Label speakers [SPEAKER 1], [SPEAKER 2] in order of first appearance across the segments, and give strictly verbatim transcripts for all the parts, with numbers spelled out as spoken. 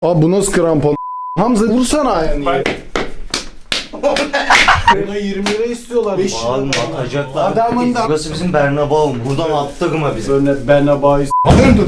[SPEAKER 1] Abi bu nasıl krampon? Hamza vursana ayağını. Buna yirmi lira istiyorlar.
[SPEAKER 2] Bağırma, atacaklar.
[SPEAKER 1] Adamın da...
[SPEAKER 2] Burası bizim Bernabéu. Buradan attırma bizi.
[SPEAKER 1] Örnek Bernabéu. Dur.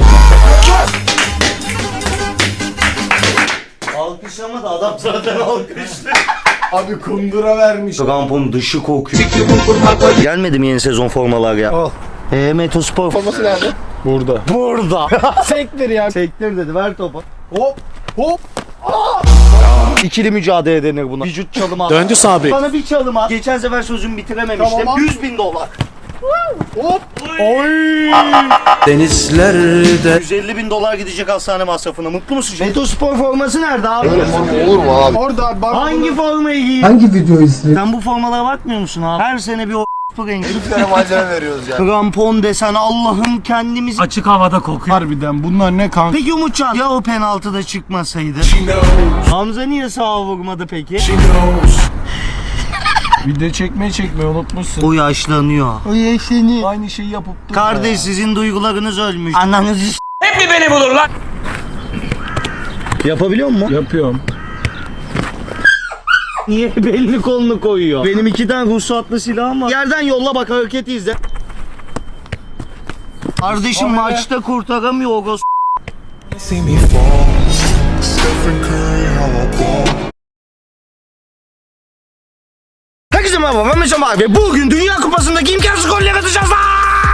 [SPEAKER 2] Alkışlama da adam zaten alkışlı.
[SPEAKER 1] Abi kundura vermiş.
[SPEAKER 2] Krampon dışı kokuyor. Gelmedi mi yeni sezon formalar ya?
[SPEAKER 1] Al.
[SPEAKER 2] Eee Metospor.
[SPEAKER 1] Forması nerede? Burada.
[SPEAKER 2] Burada.
[SPEAKER 1] Sektir ya.
[SPEAKER 2] Sektir dedi, ver topu.
[SPEAKER 1] Hop hop.
[SPEAKER 2] İkili mücadele denir buna. Vücut çalımı.
[SPEAKER 3] Döndü sabri.
[SPEAKER 2] Bana bir çalım at. Geçen sefer sözümü bitirememiştim.
[SPEAKER 1] Tamam.
[SPEAKER 2] yüz bin dolar.
[SPEAKER 1] Hop. Oy.
[SPEAKER 3] Denizlerde.
[SPEAKER 2] yüz elli bin dolar gidecek hastane masrafına. Mutlu musun? Metospor forması nerede abi?
[SPEAKER 1] Öyle forma olur mu abi? Orada bak.
[SPEAKER 2] Hangi formayı giyiyor?
[SPEAKER 4] Hangi videoyu izliyorsun?
[SPEAKER 2] Sen bu formalara bakmıyor musun abi? Her sene bir o rengi.
[SPEAKER 1] Bir tane malzeme veriyoruz ya.
[SPEAKER 2] Krampon desen Allah'ım kendimiz.
[SPEAKER 3] Açık havada kokuyor.
[SPEAKER 1] Harbiden bunlar ne kanka?
[SPEAKER 2] Peki Umutcan ya o penaltıda çıkmasaydı? Hamza niye sağa vurmadı peki?
[SPEAKER 1] Video çekmeyi çekmeyi unutmuşsun.
[SPEAKER 2] O yaşlanıyor.
[SPEAKER 1] O yaşını. Aynı şeyi yapıp durma
[SPEAKER 2] Kardeş
[SPEAKER 1] ya.
[SPEAKER 2] sizin duygularınız ölmüş. Ananızı s-
[SPEAKER 3] Hep mi beni bulur lan?
[SPEAKER 2] Yapabiliyor musun?
[SPEAKER 1] Yapıyorum.
[SPEAKER 2] Niye belini kolunu koyuyor? Benim iki tane ruhsatlı silahım var. Yerden yolla bak, hareketi izle. Kardeşim
[SPEAKER 1] Kamera.
[SPEAKER 2] maçta kurtaramıyor o gos. Herkese merhaba, ben Mesut abi ve bugün Dünya Kupası'ndaki imkansız goller atacağız lan!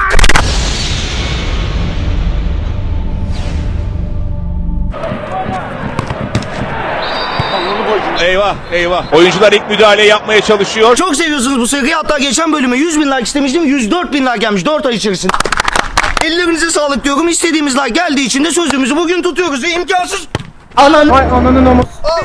[SPEAKER 3] Eyvah eyvah. Oyuncular ilk müdahale yapmaya çalışıyor.
[SPEAKER 2] Çok seviyorsunuz bu seriyi, hatta geçen bölüme yüz bin like istemiştim, yüz dört bin like gelmiş dört ay içerisinde. Ellerinize sağlık diyorum, istediğimiz like geldiği için de sözümüzü bugün tutuyoruz ve imkansız... Anan...
[SPEAKER 1] Ay ananın ama.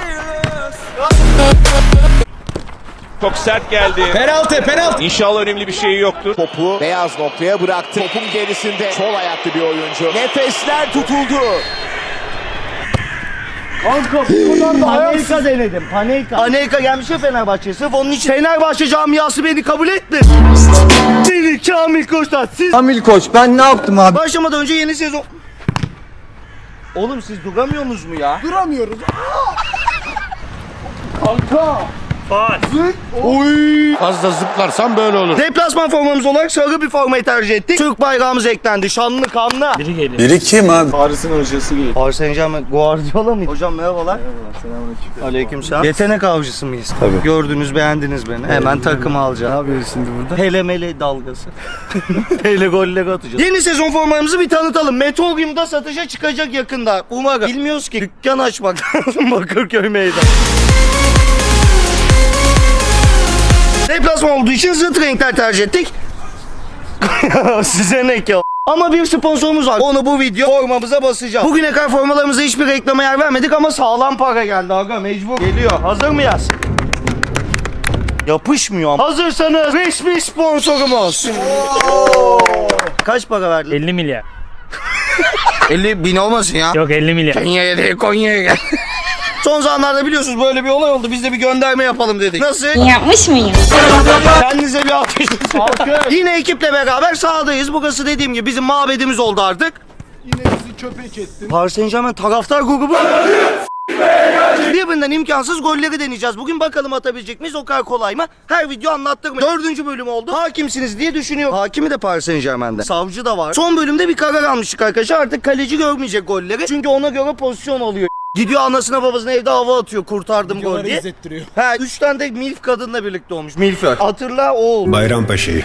[SPEAKER 3] Çok sert geldi.
[SPEAKER 1] Penaltı penaltı.
[SPEAKER 3] İnşallah önemli bir şey yoktur.
[SPEAKER 5] Topu beyaz noktaya bıraktı. Topun gerisinde sol ayaklı bir oyuncu. Nefesler tutuldu.
[SPEAKER 1] Kanka bu kadar da ayaksız.
[SPEAKER 2] Panelka denedim. Panelka. Panelka gelmiş ya Fenerbahçe'ye. Sırf onun için Fenerbahçe camiası beni kabul etti. Seni Kamil Koç'tan siz...
[SPEAKER 4] Kamil Koç ben ne yaptım abi?
[SPEAKER 2] Başlamadan önce yeni sezon... Oğlum siz duramıyorsunuz mu ya?
[SPEAKER 1] Duramıyoruz. Kanka. Zık.
[SPEAKER 2] Oy.
[SPEAKER 3] Fazla zıplarsan böyle olur.
[SPEAKER 2] Deplasman formamız olarak sarı bir formayı tercih ettik. Türk bayrağımız eklendi. Şanlı kanlı.
[SPEAKER 4] Biri kim abi?
[SPEAKER 1] Paris'in hocası geliyor.
[SPEAKER 2] Paris Saint-Germain Guardiola mı? Hocam merhabalar.
[SPEAKER 1] Selamünaleyküm.
[SPEAKER 2] Aleykümselam. Yetenek avcısı mıyız? Tabii. Gördünüz, beğendiniz beni. Hemen takımı alacağım.
[SPEAKER 1] Ne yapıyoruz şimdi burada?
[SPEAKER 2] Hele mele dalgası. Hele golleri atacağız. Yeni sezon formalarımızı bir tanıtalım. Meteorium'da satışa çıkacak yakında. Umarım. Bilmiyoruz ki. Dükkan açmak lazım Bakırköy meydan. Deplasman olduğu için zıt renkler tercih ettik. Size ne ki o? Ama bir sponsorumuz var. Onu bu video formamıza basacağım. Bugüne kadar formalarımıza hiçbir reklama yer vermedik ama sağlam para geldi aga, mecbur. Geliyor. Hazır mıyız? Yapışmıyor ama. Hazırsanız resmi sponsorumuz. Kaç para verdin?
[SPEAKER 6] elli milyar.
[SPEAKER 2] elli bin olmasın ya.
[SPEAKER 6] Yok elli milyar.
[SPEAKER 2] Konya'ya değil, Konya'ya gel. Son zamanlarda biliyorsunuz böyle bir olay oldu. Biz de bir gönderme yapalım dedik. Nasıl?
[SPEAKER 7] Yapmış mıyım?
[SPEAKER 2] Kendinize bir alkış. Yine ekiple beraber sahadayız. Burası dediğim gibi bizim mabedimiz oldu artık.
[SPEAKER 1] Yine bizi köpek ettin.
[SPEAKER 2] Paris Saint-Germain taraftar grubu. Birbirinden imkansız golleri deneyeceğiz. Bugün bakalım atabilecek miyiz, o kadar kolay mı? Her video anlattık mı? Dördüncü bölüm oldu. Hakimsiniz diye düşünüyorum. Hakimi de Paris Saint-Germain'de. Savcı da var. Son bölümde bir karar almıştık arkadaşlar. Artık kaleci görmeyecek golleri. Çünkü ona göre pozisyon alıyor. Gidiyor anasına babasına evde hava atıyor, kurtardım gol diye.
[SPEAKER 1] izlettiriyor.
[SPEAKER 2] He, üç tane de milf kadınla birlikte olmuş. Milför. Hatırla o oldu.
[SPEAKER 8] Bayrampaşa'yı.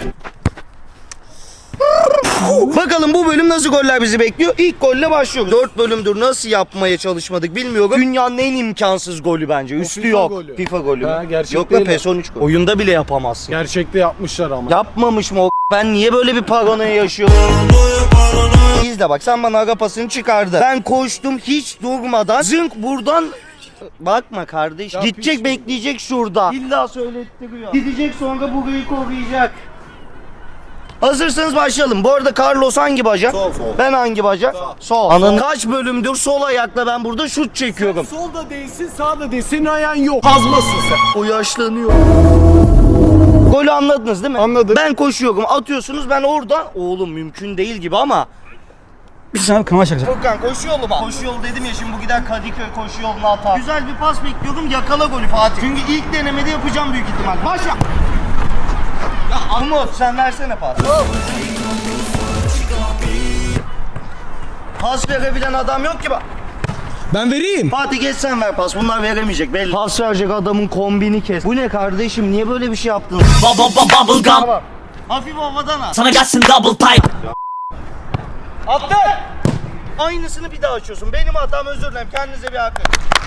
[SPEAKER 2] Bakalım bu bölüm nasıl goller bizi bekliyor? İlk golle başlıyoruz. Dört bölümdür nasıl yapmaya çalışmadık bilmiyorum. Dünyanın en imkansız golü bence. Üstü
[SPEAKER 1] FIFA
[SPEAKER 2] yok.
[SPEAKER 1] golü.
[SPEAKER 2] FIFA golü mü?
[SPEAKER 1] Ha, gerçek
[SPEAKER 2] Yok la
[SPEAKER 1] değil
[SPEAKER 2] PES on üç golü. Oyunda bile yapamazsın.
[SPEAKER 1] Gerçekte yapmışlar ama.
[SPEAKER 2] Yapmamış mı o? Ben niye böyle bir paranoya yaşıyorum? İzle bak, sen bana ara pasını çıkardı. Ben koştum hiç durmadan. Zınk buradan... Bakma kardeş.
[SPEAKER 1] Ya
[SPEAKER 2] Gidecek
[SPEAKER 1] piç.
[SPEAKER 2] bekleyecek şurada. İlla söylettiriyor. Gidecek sonra burayı koruyacak. Hazırsanız başlayalım. Bu arada Carlos hangi bacak?
[SPEAKER 1] Sol, sol.
[SPEAKER 2] Ben hangi bacak? Sol. Sol. Ananı kaç bölümdür sol ayakla ben burada şut çekiyorum.
[SPEAKER 1] Solda değilsin, sağda değilsin. Senin ayağın yok. Kazmasın sen.
[SPEAKER 2] O yaşlanıyor. Golü anladınız değil mi?
[SPEAKER 1] Anladım.
[SPEAKER 2] Ben koşuyorum, atıyorsunuz, ben orada. Oğlum mümkün değil gibi ama
[SPEAKER 6] Bir sana kanal şakası.
[SPEAKER 2] Furkan koşu yolu mu? Koşu yolu dedim ya, şimdi bu gider Kadıköy koşu yoluna atar. Güzel bir pas bekliyorum, yakala golü Fatih. Çünkü ilk denemede yapacağım büyük ihtimal. Başla. Ya Umut sen versene pas. Pas verebilen adam yok ki bak.
[SPEAKER 1] Ben vereyim.
[SPEAKER 2] Fatih geç sen ver pas. Bunlar veremeyecek belli. Pas verecek adamın kombini kes. Bu ne kardeşim? Niye böyle bir şey yaptın?
[SPEAKER 7] Bubble gum.
[SPEAKER 2] Tamam. Hafif havadan at.
[SPEAKER 7] Sana gelsin double pipe.
[SPEAKER 2] Attı. Aynısını bir daha açıyorsun. Benim hatam, özür dilerim. Kendinize bir hakkı.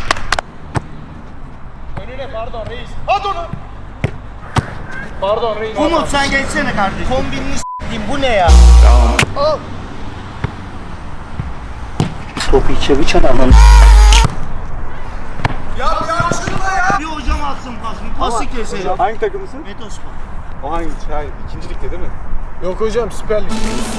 [SPEAKER 2] Önüne pardon reis. At onu. Pardon reis. Umut sen geçsene kardeşim. Kombinini s**eyim. Bu ne ya? Tamam. Al. Topu içeri çan ananı.
[SPEAKER 1] Ya ya açılma ya.
[SPEAKER 2] Bir hocam atsın pasını. Pası keselim.
[SPEAKER 1] Hangi takımısın?
[SPEAKER 2] Metospor.
[SPEAKER 1] O hangi? Hayır, ikincilikte değil mi? Yok hocam, Süper Lig.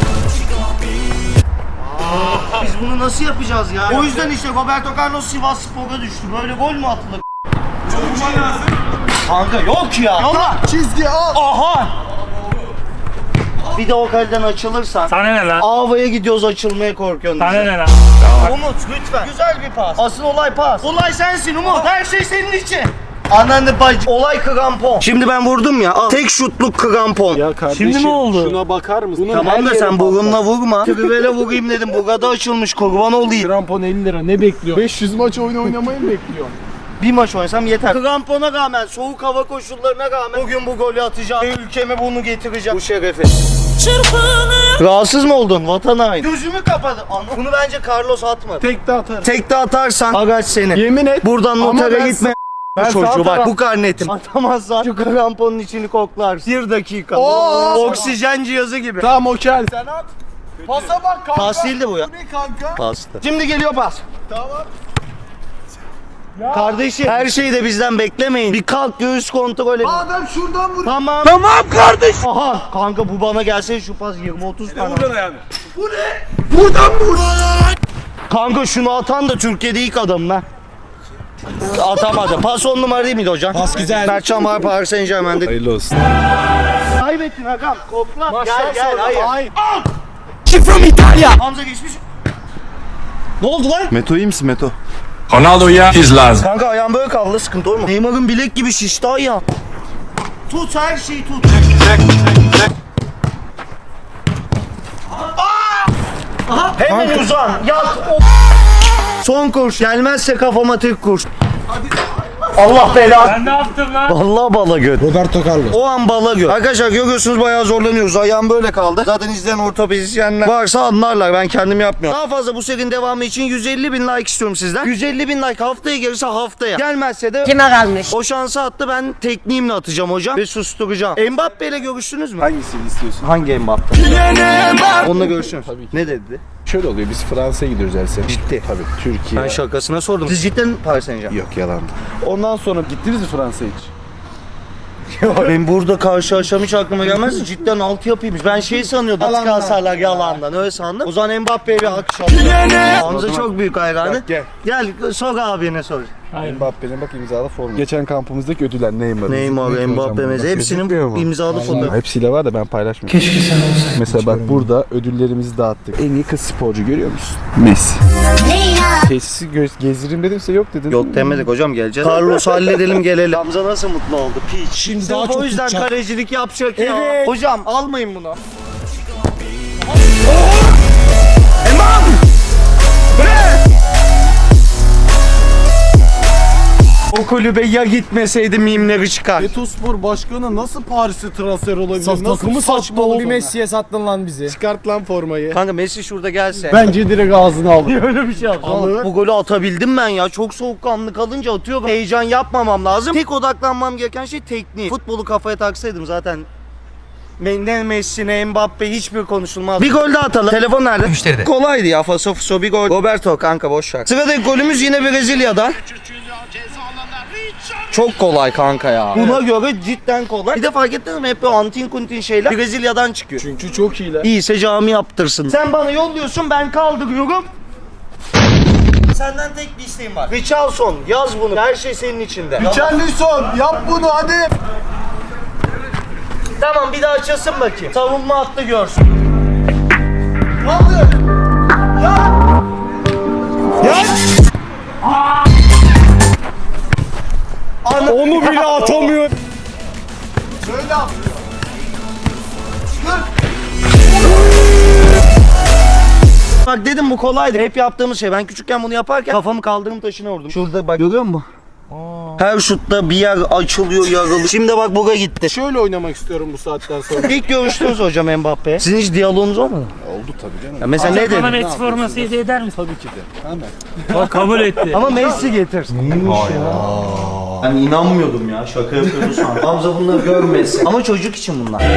[SPEAKER 2] Biz bunu nasıl yapacağız ya? O yüzden işte Roberto Carlos Sivas Spor'a düştü. Böyle gol mü atılır?
[SPEAKER 1] Vurman lazım.
[SPEAKER 2] Kanka yok ya. Yolla.
[SPEAKER 1] Çizgi al.
[SPEAKER 2] Aha. Bir de o kaleden açılırsan.
[SPEAKER 6] Sana ne lan?
[SPEAKER 2] Ava'ya gidiyoruz, açılmaya korkuyorsun.
[SPEAKER 6] Sana
[SPEAKER 2] bize.
[SPEAKER 6] ne lan?
[SPEAKER 2] Umut lütfen. Güzel bir pas. Asıl olay pas. Olay sensin Umut. Her şey senin için. Ananı bacı. Olay krampon. Şimdi ben vurdum ya. Al. Tek şutluk krampon.
[SPEAKER 1] Ya kardeşim,
[SPEAKER 6] Şimdi ne oldu?
[SPEAKER 1] Şuna bakar mısın? Bunun her
[SPEAKER 2] Tamam da
[SPEAKER 1] yeri
[SPEAKER 2] sen
[SPEAKER 1] patlar.
[SPEAKER 2] burunla vurma. Trivele vurayım dedim. Burada açılmış, kurban olayım.
[SPEAKER 1] Krampon elli lira, ne bekliyor? beş yüz maç oyun oynamayı mı bekliyor?
[SPEAKER 2] Bir maç oynasam yeter. Krampona rağmen, soğuk hava koşullarına rağmen bugün bu golü atacağım. Ve ülkeme bunu getireceğim. Bu şerefi. Rahatsız mı oldun? Vatan haini. Gözümü kapadı. Ana, bunu bence Carlos atmadı.
[SPEAKER 1] Tek de atarım.
[SPEAKER 2] Tek de atarsan agaç seni.
[SPEAKER 1] Yemin et.
[SPEAKER 2] Buradan
[SPEAKER 1] Ama
[SPEAKER 2] notere
[SPEAKER 1] ben
[SPEAKER 2] gitme.
[SPEAKER 1] Ben sağ
[SPEAKER 2] Çocuğu bak,
[SPEAKER 1] taraf-
[SPEAKER 2] bu karnetim. Atamazsan şu kramponun içini koklar. Bir dakika.
[SPEAKER 1] Oo.
[SPEAKER 2] Oksijen cihazı gibi.
[SPEAKER 1] Tamam okey. Sen at. Pasa bak kanka.
[SPEAKER 2] Pas değildi bu ya.
[SPEAKER 1] Bu ne kanka?
[SPEAKER 2] Pastı. Şimdi geliyor pas.
[SPEAKER 1] Tamam.
[SPEAKER 2] Kardeşim her şeyi de bizden beklemeyin. Bir kalk, göğüs kontrol et.
[SPEAKER 1] Adam şuradan vur.
[SPEAKER 2] Tamam. Tamam kardeş. Aha kanka bu bana gelse şu pas yirmi otuz tane.
[SPEAKER 1] yani. Bu ne? Buradan vur.
[SPEAKER 2] Kanka şunu atan da Türkiye'de ilk adam lan. Atamadı. Pas on numara değil miydi hocam?
[SPEAKER 1] Pas güzel.
[SPEAKER 2] Mertcan var Paris Saint Germain'de.
[SPEAKER 1] Hayırlı olsun.
[SPEAKER 2] Kaybettin Hakan. Kokla.
[SPEAKER 1] Maçtan
[SPEAKER 2] Gel gel
[SPEAKER 1] sonra-
[SPEAKER 2] hayır.
[SPEAKER 1] Hayır.
[SPEAKER 6] She from Italia.
[SPEAKER 2] Hamza geçmiş. Ne oldu lan?
[SPEAKER 4] Meto iyi misin Meto?
[SPEAKER 3] Ronaldo ya. His lazım.
[SPEAKER 2] Kanka ayağım böyle kaldı, sıkıntı olma. Neymar'ın bilek gibi şişti ayağım. Tut, her şeyi tut. Aha. Hemen uzan. Yat. O- Son kurş. Gelmezse kafama tek kurş. Allah belanı.
[SPEAKER 6] Sen ne yaptın lan?
[SPEAKER 2] Vallahi bala göt.
[SPEAKER 1] Roberto Carlos.
[SPEAKER 2] O an bala göt. Arkadaşlar görüyorsunuz bayağı zorlanıyoruz. Ayağım böyle kaldı. Zaten izleyen ortopedisyenler varsa anlarlar. Ben kendim yapmıyorum. Daha fazla bu serinin devamı için yüz elli bin like istiyorum sizden. yüz elli bin like haftaya gelirse haftaya. Gelmezse de
[SPEAKER 7] Kime kalmış?
[SPEAKER 2] o şansı attı, ben tekniğimle atacağım hocam ve susturacağım. Mbappe ile görüştünüz mü?
[SPEAKER 1] Hangisini istiyorsun?
[SPEAKER 2] Hangi Mbappe? Onunla görüştünüz.
[SPEAKER 1] Tabii ki.
[SPEAKER 2] Ne dedi?
[SPEAKER 1] Şöyle oluyor, biz Fransa'ya gidiyoruz her sene.
[SPEAKER 2] Ciddi.
[SPEAKER 1] Tabii Türkiye.
[SPEAKER 2] Ben şakasına sordum. Siz cidden Paris Saint Germain?
[SPEAKER 1] Yok yalandı. Ondan sonra gittiniz mi Fransa'ya hiç?
[SPEAKER 2] Ben burada karşılaşam hiç aklıma gelmez. Cidden altı yapıymış. Ben şey sanıyordum. Atı kalsarlar yalandan. Öyle sandım. O zaman Mbappe'ye bir alkış alalım. Hamza çok büyük hayranı.
[SPEAKER 1] Bak, gel.
[SPEAKER 2] Gel sor abine sor.
[SPEAKER 1] Mbappe'nin bak imzalı formu. Geçen kampımızdaki ödüller Neymar.
[SPEAKER 2] Neymar, Mbappe mesela hepsinin imzalı fotoğrafı.
[SPEAKER 1] Hepsiyle var da ben paylaşmıyorum. Keşke sen olsaydın. Mesela bak burada ödüllerimizi dağıttık. En iyi kız sporcu görüyor musun? Messi. Tesisi göz gezdireyim dedimse yok dedin.
[SPEAKER 2] Yok demedik hocam, geleceğiz. Carlos halledelim gelelim. Hamza nasıl mutlu oldu? Piç.
[SPEAKER 1] Şimdi
[SPEAKER 2] Sırf
[SPEAKER 1] daha çok
[SPEAKER 2] o yüzden
[SPEAKER 1] tutacak.
[SPEAKER 2] kalecilik yapacak ya.
[SPEAKER 1] Evet.
[SPEAKER 2] Hocam almayın bunu. O kulübe ya gitmeseydi mimleri çıkar.
[SPEAKER 1] Betospor başkanı nasıl Paris'e transfer olabilir?
[SPEAKER 8] Saf
[SPEAKER 1] Nasıl
[SPEAKER 8] takımı
[SPEAKER 1] saçma
[SPEAKER 8] sattı
[SPEAKER 1] olur
[SPEAKER 8] oğlum. Bir
[SPEAKER 1] ona?
[SPEAKER 8] Messi'ye sattın lan bizi.
[SPEAKER 1] Çıkart lan formayı.
[SPEAKER 2] Kanka Messi şurada gelse.
[SPEAKER 1] Bence direkt ağzına alır.
[SPEAKER 2] Öyle bir şey yaptım. Bu golü atabildim ben ya. Çok soğukkanlı kalınca atıyorum. Heyecan yapmamam lazım. Tek odaklanmam gereken şey tekniği. Futbolu kafaya taksaydım zaten ne Messi ne Mbappe hiçbir konuşulmaz. Bir gol daha atalım. Telefon nerede?
[SPEAKER 7] Müşteride.
[SPEAKER 2] Kolaydı ya. Faso fuso bir gol. Roberto kanka boş ver. Sıradaki golümüz yine Brezilya'dan. Çok kolay kanka ya. Buna göre cidden kolay. Bir de fark ettiniz mi? Hep o antin kuntin şeyler Brezilya'dan çıkıyor.
[SPEAKER 1] Çünkü çok iyiler.
[SPEAKER 2] İyiyse cami yaptırsın. Sen bana yolluyorsun, ben kaldırıyorum. Senden tek bir isteğim var. Richarlison yaz bunu. Her şey senin içinde.
[SPEAKER 1] Richarlison yap bunu hadi.
[SPEAKER 2] Tamam bir daha açılsın bakayım. Savunma hattı görsün.
[SPEAKER 1] Kaldır.
[SPEAKER 6] Onu bile atamıyor.
[SPEAKER 2] Bak dedim bu kolaydı. Hep yaptığımız şey. Ben küçükken bunu yaparken kafamı kaldırım taşına vurdum. Şurada bak görüyor musun? Her şutta bir yer açılıyor, yarılıyor. Şimdi bak buga gitti.
[SPEAKER 1] Şöyle oynamak istiyorum bu saatten sonra.
[SPEAKER 2] İlk görüştünüz hocam Mbappe. Sizin hiç diyaloğunuz olmadı mı?
[SPEAKER 1] Oldu tabii canım.
[SPEAKER 2] Ya mesela ne
[SPEAKER 6] Bana
[SPEAKER 2] dedi?
[SPEAKER 6] Messi forması hediye eder misin?
[SPEAKER 1] Tabii ki de. Hemen.
[SPEAKER 6] Bak kabul etti.
[SPEAKER 2] Ama Messi getir. Neymiş ya? Ben inanmıyordum ya. Şaka yapıyordu sandım. Hamza bunları görmesin. Ama çocuk için bunlar.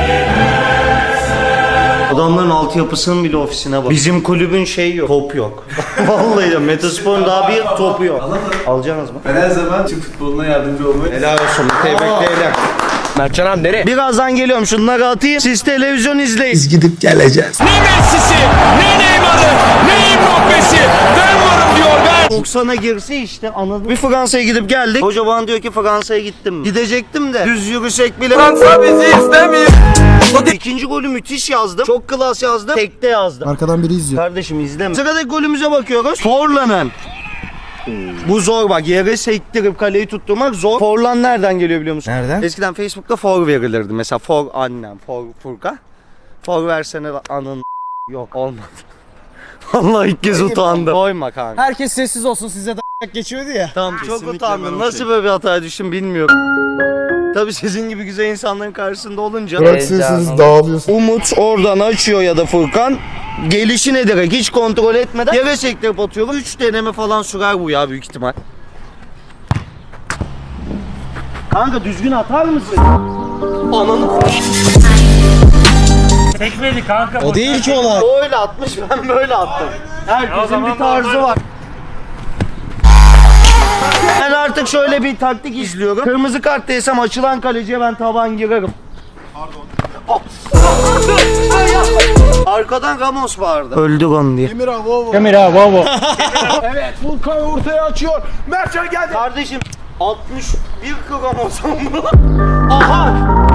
[SPEAKER 2] Adamların altyapısının bile ofisine bak. Bizim kulübün şeyi yok. Top yok. Vallahi ya Metaspor'un daha bir topu yok. Alacaksınız mı?
[SPEAKER 1] Ben her zaman Türk futboluna yardımcı olmayı...
[SPEAKER 2] Helal olsun. Tebrikler.
[SPEAKER 6] Mertcan abi nereye?
[SPEAKER 2] Birazdan geliyorum. Şunları atayım. Siz televizyon izleyin.
[SPEAKER 4] Biz gidip geleceğiz.
[SPEAKER 3] Ne Messi'si, ne Neymar'ı, ne Mbappe'si. Ben varım diyor ben.
[SPEAKER 2] doksana girse işte anladım. Bir Fransa'ya gidip geldik. Hoca bana diyor ki Fransa'ya gittim mi? Gidecektim de düz yürüsek bile. Fransa bizi istemiyor. İkinci golü müthiş yazdım. Çok klas yazdım. Tekte yazdım.
[SPEAKER 4] Arkadan biri izliyor.
[SPEAKER 2] Kardeşim izleme. Sıradaki golümüze bakıyoruz. Forlan'ın. Bu zor bak. Yere sektirip kaleyi tutturmak zor. Forlan nereden geliyor biliyor musun?
[SPEAKER 4] Nereden?
[SPEAKER 2] Eskiden Facebook'ta for verilirdi. Mesela for annem, for Furkan. For versene anın yok olmadı. Vallahi ilk kez utandım. Koyma kanka.
[SPEAKER 6] Herkes sessiz olsun size de geçiyordu ya.
[SPEAKER 2] Tamam çok utandım. Nasıl böyle bir hataya düştüm bilmiyorum. Tabii sizin gibi güzel insanların karşısında olunca.
[SPEAKER 4] Bıraksıyorsunuz dağılıyorsun.
[SPEAKER 2] Umut oradan açıyor ya da Furkan. Gelişine direkt hiç kontrol etmeden yere sektirip atıyorum. Üç deneme falan sürer bu ya büyük ihtimal. Kanka düzgün atar mısın? Ananı.
[SPEAKER 6] Tekmedi kanka.
[SPEAKER 4] O değil ki olay.
[SPEAKER 2] O öyle atmış ben böyle attım. Herkesin bir tarzı var. Ben artık şöyle bir taktik izliyorum. Kırmızı kart değsem açılan kaleciye ben taban girerim. Pardon. Arkadan Ramos vardı. Öldük onu diye.
[SPEAKER 1] Emir Vovo.
[SPEAKER 6] Kamera baba.
[SPEAKER 1] Evet, Volkan ortaya açıyor. Mertcan geldi.
[SPEAKER 2] Kardeşim altmış bir Ramos mı? Aha!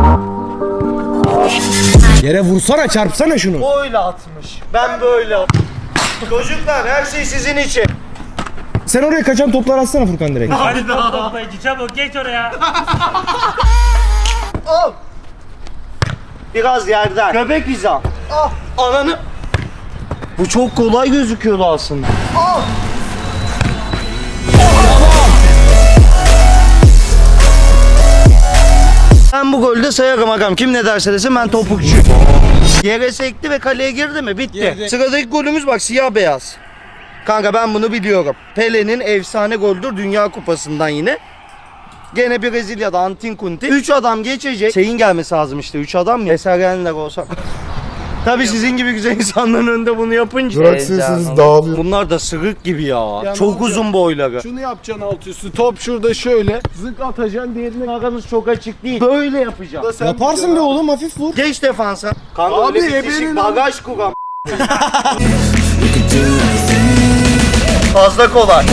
[SPEAKER 6] Yere vursana çarpsana şunu.
[SPEAKER 2] O öyle atmış. Ben böyle attım. Çocuklar her şey sizin için.
[SPEAKER 6] Sen oraya kaçan toplar atsana Furkan direkt.
[SPEAKER 8] Hadi top toplayıcı çabuk geç oraya.
[SPEAKER 2] Al. Biraz yerden. Köpek hizam. Ah. Ananı. Bu çok kolay gözüküyordu aslında. Ah. Ben bu golde sayarım agam. Kim ne derse desin ben topukçuyum. Yere sekti ve kaleye girdi mi? Bitti.
[SPEAKER 6] Girdi.
[SPEAKER 2] Sıradaki golümüz bak siyah beyaz. Kanka ben bunu biliyorum. Pele'nin efsane goldür Dünya Kupası'ndan yine. Gene Brezilya'da Antin Kunti. Üç adam geçecek. Şeyin gelmesi lazım işte. Üç adam ya. Esergenler olsak. Tabii sizin gibi güzel insanların önünde bunu yapınca.
[SPEAKER 4] Bıraksıyorsunuz dağılıyor.
[SPEAKER 2] Bunlar da sırık gibi ya.
[SPEAKER 1] Ya
[SPEAKER 2] Çok
[SPEAKER 1] ne
[SPEAKER 2] uzun boyları.
[SPEAKER 1] Şunu yapacaksın alt üstü. Top şurada şöyle. Zık atacaksın diğerine.
[SPEAKER 2] Aranız çok açık değil. Böyle yapacağım.
[SPEAKER 1] Da sen
[SPEAKER 6] Yaparsın be
[SPEAKER 1] biliyorsun.
[SPEAKER 6] oğlum hafif vur.
[SPEAKER 2] Geç defansa. Kanka
[SPEAKER 1] Abi,
[SPEAKER 2] öyle bitişik
[SPEAKER 1] ebenin
[SPEAKER 2] bagaj kuram. Fazla kolay.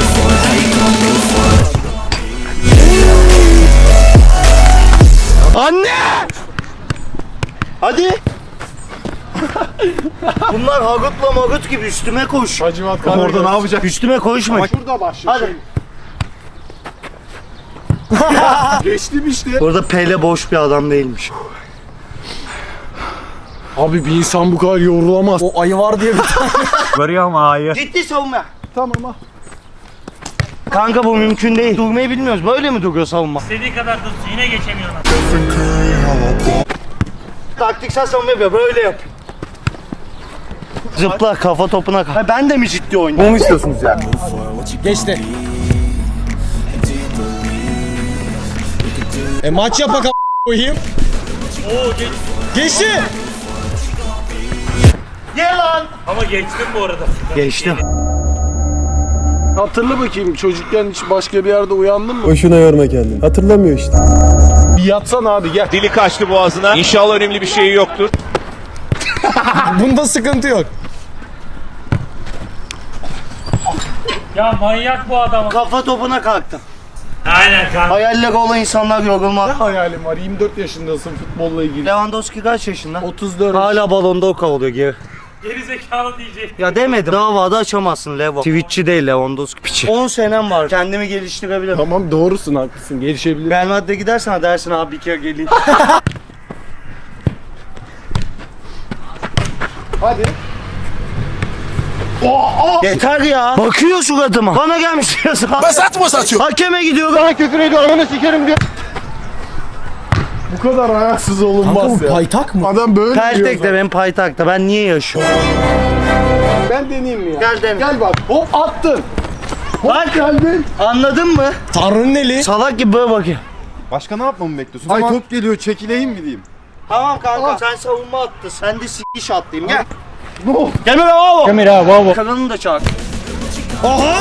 [SPEAKER 2] Anne! Hadi. Bunlar Harut'la Marut gibi üstüme koş.
[SPEAKER 1] Hacivat kan orada ne yapacak?
[SPEAKER 2] Üstüme koşma.
[SPEAKER 1] Ama şurada başlıyor.
[SPEAKER 2] Hadi.
[SPEAKER 1] Geçtim işte.
[SPEAKER 2] Burada Pele boş bir adam değilmiş.
[SPEAKER 1] Abi bir insan bu kadar yorulamaz.
[SPEAKER 6] O ayı var diye bir tane.
[SPEAKER 8] Görüyor mu ayı?
[SPEAKER 2] Ciddi savunma.
[SPEAKER 1] Tamam ha.
[SPEAKER 2] Kanka bu mümkün değil. Durmayı bilmiyoruz. Böyle mi duruyor savunma?
[SPEAKER 8] İstediği kadar dursun yine geçemiyorlar.
[SPEAKER 2] Taktiksel savunma yapıyor. Böyle yap. Zıpla kafa topuna kal. Ha, ben de mi ciddi oynuyorum?
[SPEAKER 6] Bunu mu istiyorsunuz ya? Geçti. E maç yapak a** koyayım.
[SPEAKER 8] Oo geç.
[SPEAKER 6] Geçti.
[SPEAKER 2] Gel lan.
[SPEAKER 8] Ama geçtim bu arada.
[SPEAKER 2] Geçtim.
[SPEAKER 1] Hatırla bakayım çocukken hiç başka bir yerde uyandın mı?
[SPEAKER 4] Boşuna yorma kendini. Hatırlamıyor işte.
[SPEAKER 1] Bir yatsan abi gel.
[SPEAKER 3] Dili kaçtı boğazına. İnşallah önemli bir şey yoktur.
[SPEAKER 6] Bunda sıkıntı yok.
[SPEAKER 8] Ya manyak bu adam.
[SPEAKER 2] Kafa topuna kalktım.
[SPEAKER 8] Aynen kanka.
[SPEAKER 2] Hayalleri olan insanlar yorulmaz.
[SPEAKER 1] Ne hayalim var? yirmi dört yaşındasın futbolla ilgili.
[SPEAKER 2] Lewandowski kaç yaşında?
[SPEAKER 1] otuz dört.
[SPEAKER 2] Hala balonda o kovalıyor geri.
[SPEAKER 8] Geri zekalı diyecek.
[SPEAKER 2] Ya demedim. Davada açamazsın Levo. Twitch'çi değil Lewandowski piçi. on senem var. Kendimi geliştirebilirim.
[SPEAKER 4] Tamam doğrusun haklısın gelişebilir.
[SPEAKER 2] Real Madrid'e gidersen dersin abi bir kere geleyim.
[SPEAKER 4] Hadi.
[SPEAKER 2] Yeter ya. Bakıyor suratıma. Bana gelmiş diyorsun.
[SPEAKER 5] Basat mı satıyor?
[SPEAKER 2] Hakeme gidiyor.
[SPEAKER 4] Bana küfür ediyor ananı sikerim diyor. Bu kadar ayaksız
[SPEAKER 6] Kanka
[SPEAKER 4] olunmaz
[SPEAKER 6] bu
[SPEAKER 4] ya.
[SPEAKER 6] paytak mı?
[SPEAKER 4] Adam böyle diyor.
[SPEAKER 2] Peltek'te benim paytakta. Ben niye yaşıyorum?
[SPEAKER 4] Ben deneyeyim mi ya?
[SPEAKER 2] Gel dene.
[SPEAKER 4] Gel bak. Hop attın.
[SPEAKER 2] Bak
[SPEAKER 4] Geldin.
[SPEAKER 2] anladın mı?
[SPEAKER 6] Tanrı'nın eli.
[SPEAKER 2] Salak gibi böyle bakıyor.
[SPEAKER 4] Başka ne yapmamı bekliyorsun? Ay top geliyor çekileyim mi diyeyim?
[SPEAKER 2] Tamam kanka sen savunma attın. Sen de s**iş attayım gel.
[SPEAKER 4] Ne oldu?
[SPEAKER 2] Gel be bravo.
[SPEAKER 6] Kamera bravo.
[SPEAKER 2] Kanalını da çağır.
[SPEAKER 6] Aha.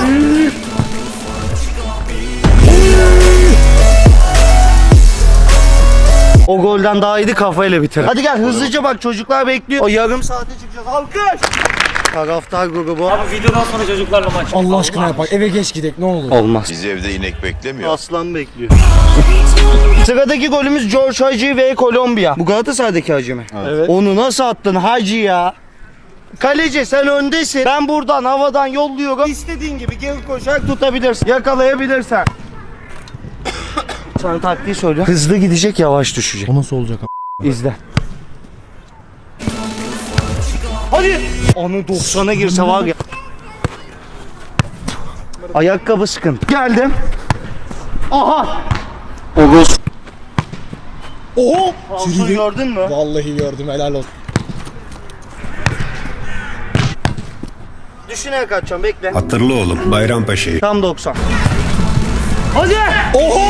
[SPEAKER 2] O golden daha iyiydi kafayla bitir. Hadi gel hızlıca bak çocuklar bekliyor. O yarım saate çıkacağız. Alkış. Taraftar grubu.
[SPEAKER 8] Abi videodan sonra çocuklarla maç.
[SPEAKER 6] Allah aşkına yapak. Eve geç gidek ne olur.
[SPEAKER 2] Olmaz.
[SPEAKER 5] Bizi evde inek beklemiyor.
[SPEAKER 2] Aslan bekliyor. Sıradaki golümüz George Hagi ve Kolombiya. Bu Galatasaray'daki Hagi mi?
[SPEAKER 4] Evet.
[SPEAKER 2] Onu nasıl attın Hagi ya? Kaleci sen öndesin. Ben buradan havadan yolluyorum. İstediğin gibi geri koşarak tutabilirsin. Yakalayabilirsen. Sana taktiği söylüyorum. Hızlı gidecek, yavaş düşecek.
[SPEAKER 6] O nasıl olacak?
[SPEAKER 2] İzle. Hadi. Onu doksana girse var ya. Ayakkabı sıkıntı. Geldim. Aha. Oguz.
[SPEAKER 6] Oho.
[SPEAKER 2] Falsoyu gördün mü?
[SPEAKER 6] Vallahi gördüm helal olsun.
[SPEAKER 2] Düşünerek atacağım bekle.
[SPEAKER 9] Hatırlı oğlum Bayrampaşa'yı.
[SPEAKER 2] Tam doksan. Hadi.
[SPEAKER 6] Oho.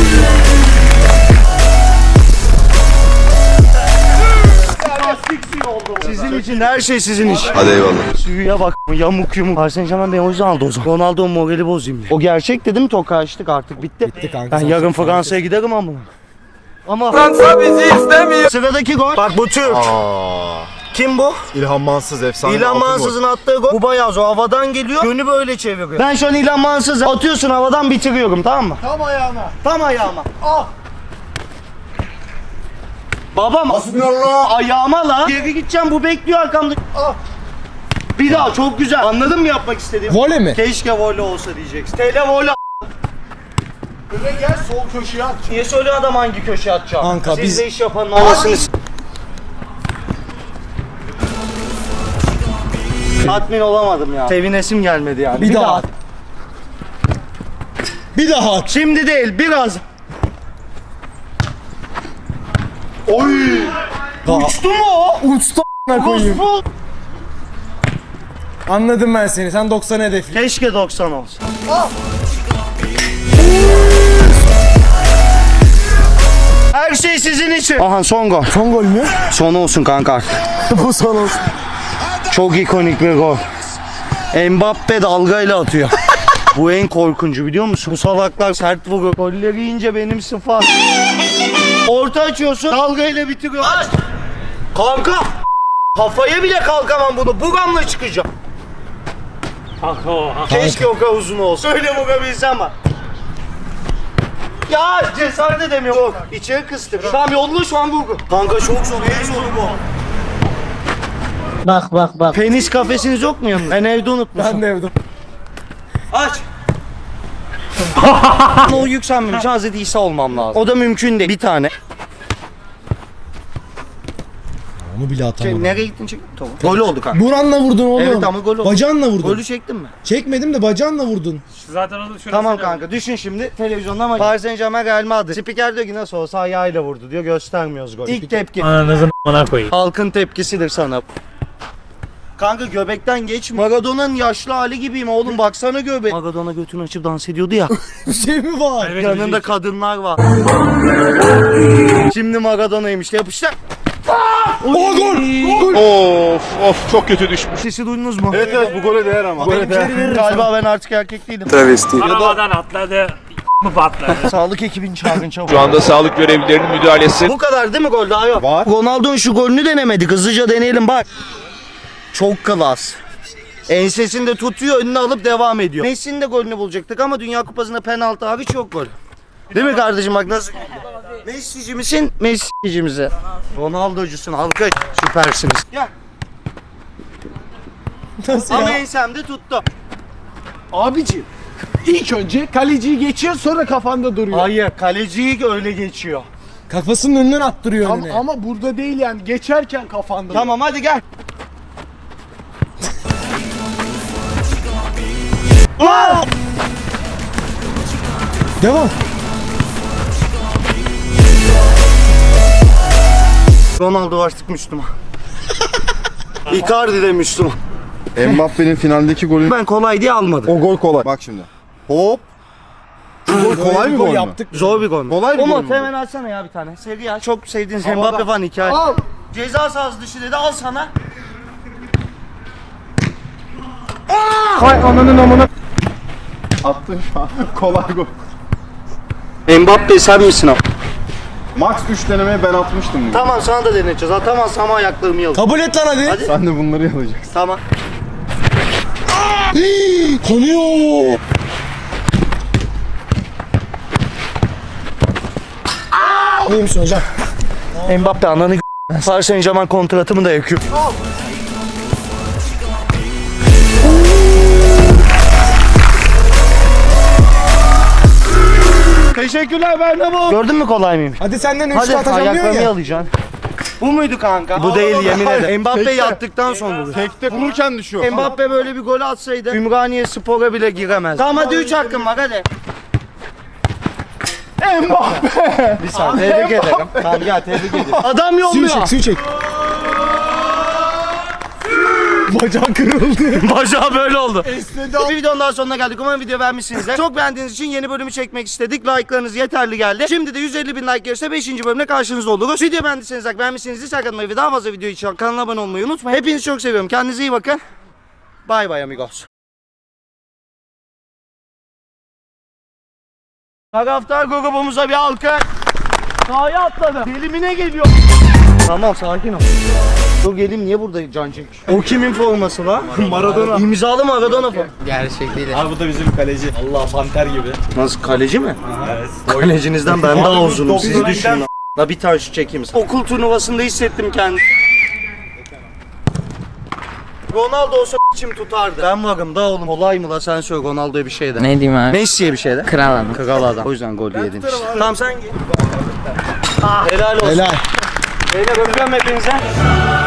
[SPEAKER 2] Sizin için her şey sizin için.
[SPEAKER 5] Hadi eyvallah.
[SPEAKER 2] Suya bak yamuk yumuk. Paris Saint ben o yüzden aldı o zaman. Ronaldo morali bozayım diye. O gerçek dedim toka açtık artık bitti.
[SPEAKER 6] Bitti kanka.
[SPEAKER 2] Ben
[SPEAKER 6] sen-
[SPEAKER 2] yarın Fransa'ya giderim ama. Ama Fransa bizi istemiyor. Sıradaki gol. Bak bu Türk. Kim bu?
[SPEAKER 4] İlhan Mansız efsane.
[SPEAKER 2] İlhan Mansız'ın attığı gol. Bu bayağı zor. Havadan geliyor. Yönü böyle çeviriyor. Ben şu an İlhan Mansız'ı atıyorsun havadan bitiriyorum tamam mı?
[SPEAKER 4] Tam ayağına.
[SPEAKER 2] Tam ayağıma. Ah. Babam ayağıma la. Geri gideceğim bu bekliyor arkamda. Ah. Bir daha çok güzel. Anladın mı yapmak istediğimi?
[SPEAKER 6] Voley mi?
[SPEAKER 2] Keşke voley olsa diyeceksin. Tele voley.
[SPEAKER 4] Öyle gel sol köşeye at.
[SPEAKER 2] Niye söylüyor adam hangi köşeye atacağım?
[SPEAKER 6] Kanka,
[SPEAKER 2] Siz
[SPEAKER 6] biz-
[SPEAKER 2] de iş yapanın anasını s- Tatmin olamadım ya. Sevinesim gelmedi yani.
[SPEAKER 6] Bir daha at. Bir daha at.
[SPEAKER 2] Şimdi değil biraz.
[SPEAKER 4] Oy.
[SPEAKER 2] Uçtu mu o?
[SPEAKER 6] Uçtu a**ına koyayım.
[SPEAKER 2] Rus
[SPEAKER 6] Anladım ben seni. Sen doksan hedefli.
[SPEAKER 2] Keşke doksan olsa. Her şey sizin için. Aha son gol.
[SPEAKER 6] Son gol mü?
[SPEAKER 2] Son olsun kanka artık.
[SPEAKER 6] Bu son olsun.
[SPEAKER 2] Çok ikonik bir gol. Mbappe dalgayla atıyor. Bu en korkuncu biliyor musun? Bu salaklar sert vurur. Golleri yiyince benim sıfat. Orta açıyorsun, dalgayla bitiriyor. Aç! Kanka! Kafaya bile kalkamam bunu. Buramla çıkacağım.
[SPEAKER 8] Kanka o.
[SPEAKER 2] Keşke o kadar uzun olsa. Öyle vurabilsem ama. Ya cesaret edemiyorum. Yok, içeri kıstım. Tamam yolla şu an vurgu. Kanka çok zor, en zoru bu.
[SPEAKER 7] Bak bak bak.
[SPEAKER 2] Penis kafesiniz yok mu yanında? Ben evde unutmuşum.
[SPEAKER 6] Ben de evde.
[SPEAKER 2] Aç. O yükselmemiş. Hazreti İsa olmam lazım. O da mümkün değil. Bir tane.
[SPEAKER 6] Onu bile
[SPEAKER 2] Şey,
[SPEAKER 6] atamadım.
[SPEAKER 2] nereye gittin çek? Tamam. Gol oldu kanka.
[SPEAKER 6] Buranla vurdun oğlum.
[SPEAKER 2] Evet ama gol oldu.
[SPEAKER 6] Bacağınla vurdun.
[SPEAKER 2] Golü çektin mi?
[SPEAKER 6] Çekmedim de bacağınla vurdun.
[SPEAKER 8] Zaten onu şurası.
[SPEAKER 2] Tamam kanka düşün şimdi televizyonda ama Paris Saint Germain Real Madrid. Spiker diyor ki nasıl olsa ayağıyla vurdu diyor göstermiyoruz gol. İlk tepki.
[SPEAKER 8] Ananızın a**ına koyayım.
[SPEAKER 2] Halkın tepkisidir sana. Kanka göbekten geç. Maradona'nın yaşlı hali gibiyim oğlum baksana göbek. Maradona götünü açıp dans ediyordu ya.
[SPEAKER 6] Bir şey mi var?
[SPEAKER 8] Evet,
[SPEAKER 2] Yanında kadınlar var. Şimdi Maradona'ymış yapıştır.
[SPEAKER 6] O gol! Gol!
[SPEAKER 5] Of of çok kötü düşmüş.
[SPEAKER 2] Sesi duydunuz mu?
[SPEAKER 4] Evet evet bu gole değer ama. Gole değer.
[SPEAKER 2] Galiba ben artık erkek değilim.
[SPEAKER 4] Travesti.
[SPEAKER 8] Arabadan atladı. mı patladı?
[SPEAKER 2] Sağlık ekibini çağırın çabuk.
[SPEAKER 5] Şu anda sağlık görevlilerinin müdahalesi.
[SPEAKER 2] Bu kadar değil mi gol daha yok?
[SPEAKER 4] Var.
[SPEAKER 2] Ronaldo'nun şu golünü denemedik. Hızlıca deneyelim bak. Çok klas. Ensesini de tutuyor önüne alıp devam ediyor. Messi'nin de golünü bulacaktık ama Dünya Kupası'nda penaltı hariç yok gol. Değil mi kardeşim bak nasıl? Messi'ci misin? Messi'ci misin? Ronaldo'cusun alkış. Süpersiniz. Gel.
[SPEAKER 6] Nasıl
[SPEAKER 2] Ama
[SPEAKER 6] ya?
[SPEAKER 2] ensemde tuttu.
[SPEAKER 4] Abiciğim ilk önce kaleciyi geçiyor sonra kafanda duruyor.
[SPEAKER 2] Hayır, kaleciyi öyle geçiyor.
[SPEAKER 6] Kafasının önünden attırıyor
[SPEAKER 4] Ama,
[SPEAKER 6] önüne.
[SPEAKER 4] ama burada değil yani geçerken kafanda.
[SPEAKER 2] Tamam hadi gel.
[SPEAKER 6] Devam.
[SPEAKER 2] Ronaldo artık Müslüman. Icardi de Müslüman.
[SPEAKER 1] Mbappe'nin finaldeki golü.
[SPEAKER 2] Ben kolay diye almadım.
[SPEAKER 1] O gol kolay. Bak şimdi. Hop. Bu gol kolay bir gol mü?
[SPEAKER 6] yaptık.
[SPEAKER 2] Zor bir gol mü?
[SPEAKER 1] Kolay bir gol
[SPEAKER 2] Umut
[SPEAKER 1] mü bu?
[SPEAKER 2] hemen alsana ya bir tane. Seri ya. Çok sevdiğiniz Mbappe falan hikaye.
[SPEAKER 4] Al.
[SPEAKER 2] Ceza sahası dışı dedi al sana.
[SPEAKER 4] Hay ananın amına.
[SPEAKER 1] Attın şu an. Kolay gol.
[SPEAKER 2] Mbappe sen misin abi?
[SPEAKER 1] Max üç denemeye ben atmıştım. bunu.
[SPEAKER 2] Tamam sana da deneyeceğiz. Atamazsam ama ayaklarımı yalayım.
[SPEAKER 6] Kabul et lan hadi.
[SPEAKER 2] Hadi.
[SPEAKER 1] Sen de bunları yalayacaksın.
[SPEAKER 2] Tamam.
[SPEAKER 6] Konuyor. İyi misin hocam?
[SPEAKER 2] Mbappe ananı g***. Paris Saint Germain kontratımı da yakıyor.
[SPEAKER 4] Teşekkürler Bernabeu.
[SPEAKER 2] Gördün mü kolay mıyım?
[SPEAKER 6] Hadi senden üç
[SPEAKER 2] Hadi
[SPEAKER 6] atamıyor
[SPEAKER 2] ayaklarımı
[SPEAKER 6] ya.
[SPEAKER 2] yalayacaksın. Bu muydu kanka? Bu değil yemin ederim. Mbappe
[SPEAKER 1] Tekte.
[SPEAKER 2] yattıktan sonra bu.
[SPEAKER 1] Tekte vururken düşüyor.
[SPEAKER 2] Mbappe böyle bir gol atsaydı Ümraniye Spor'a bile giremez. Tamam hadi üç hakkım var hadi.
[SPEAKER 4] Mbappe.
[SPEAKER 2] Bir saniye tebrik ederim. Tamam gel tebrik ederim. Adam
[SPEAKER 6] Suyu
[SPEAKER 2] yolluyor.
[SPEAKER 6] çek, suyu çek. Bacak kırıldı.
[SPEAKER 2] Bacağı böyle oldu. Bir videonun daha sonuna geldik. Umarım video beğenmişsinizdir. Çok beğendiğiniz için yeni bölümü çekmek istedik. Like'larınız yeterli geldi. Şimdi de yüz elli bin like gelirse beşinci bölümde karşınızda oluruz. Video beğendiyseniz like, beğenmişseniz like atmayı ve daha fazla video için kanala abone olmayı unutmayın. Hepinizi çok seviyorum. Kendinize iyi bakın. Bye bye amigos. Taraftar grubumuza bir alkış. Sahaya atladı. Delimine geliyor. Tamam sakin ol. Dur geleyim niye burada can çekiş? O kimin forması la? Maradona. İmzalı Maradona forması.
[SPEAKER 3] Abi bu da bizim kaleci. Allah panter gibi.
[SPEAKER 2] Nasıl kaleci mi? Evet. Kalecinizden ben daha uzunum sizi düşünün. lan. La bir tane şut çekeyim sana. Okul turnuvasında hissettim kendimi. Ronaldo olsa içim tutardı. Ben varım da oğlum. Kolay mı la sen söyle Ronaldo'ya bir şey de.
[SPEAKER 10] Ne diyeyim abi?
[SPEAKER 2] Messi'ye bir şey de.
[SPEAKER 10] Kral adam.
[SPEAKER 2] Kral adam. O yüzden gol yedin işte. Tamam sen git. Ah, helal olsun.
[SPEAKER 6] Helal.
[SPEAKER 2] Beyler öpüyorum hepinize.